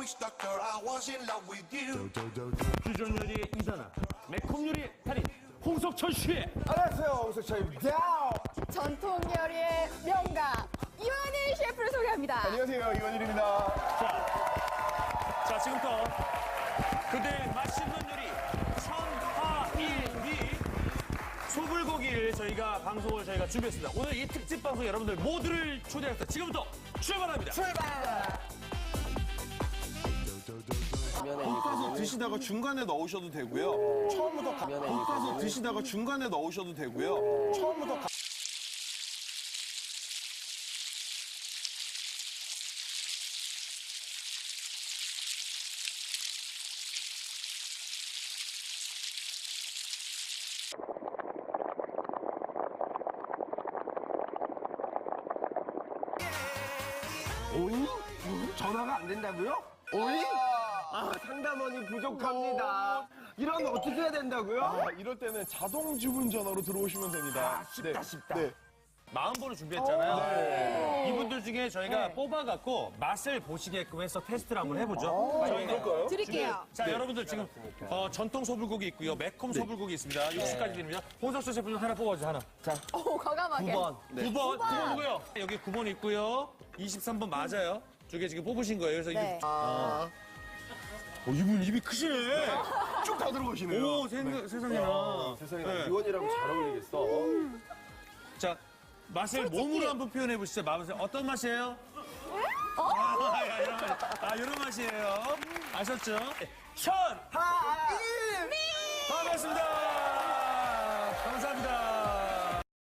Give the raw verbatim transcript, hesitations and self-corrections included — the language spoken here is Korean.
was stuck there, I was in love with you. 퓨전 요리의 이단아, 매콤 요리의 달인 홍석천 씨. 안녕하세요, 홍석천입니다. 전통 요리의 명가 이완일 셰프를 소개합니다. 안녕하세요, 이원일입니다. 자, 자 지금부터 그대 맛있는 요리 천하일기 소불고기를 저희가 방송을 저희가 준비했습니다. 오늘 이 특집 방송 여러분들 모두를 초대해서 지금부터 출발합니다. 볶아서 드시다가 중간에 넣으셔도 되고요. 처음부터 가, 볶아서 드시다가 중간에 넣으셔도 되고요. 처음부터 가, 오이? 전화가 안 된다고요? 오이? 아, 상담원이 부족합니다. 이러면 어떻게 해야 된다고요? 아, 이럴 때는 자동 주문 전화로 들어오시면 됩니다. 아, 쉽다, 쉽다. 네. 마음번호 준비했잖아요. 이분들 중에 저희가 뽑아갖고 맛을 보시게끔 해서 테스트를 한번 해보죠. 저희가 드릴게요. 자, 여러분들 지금 어, 전통 소불고기 있고요. 매콤 소불고기 있습니다. 육수까지 드립니다. 홍석천 셰프님 하나 뽑아주세요. 하나. 자, 오, 과감하게. 구 번. 구 번. 구 번 누구요? 여기 구 번 있고요. 이십삼 번 맞아요. 두 개 지금 뽑으신 거예요. 그래서 네. 이게 어, 이분 입이 크시네. 쭉 다 들어오시네요. 오, 생, 세상에나. 세상에 네. 이원이랑 잘 어울리겠어. 자, 맛을 몸으로 한번 표현해 보시죠. 맛을 어떤 맛이에요? 아, 야, 이런 맛. 아, 이런 맛이에요. 아셨죠? 천, 하, 일, 반갑습니다. 감사합니다.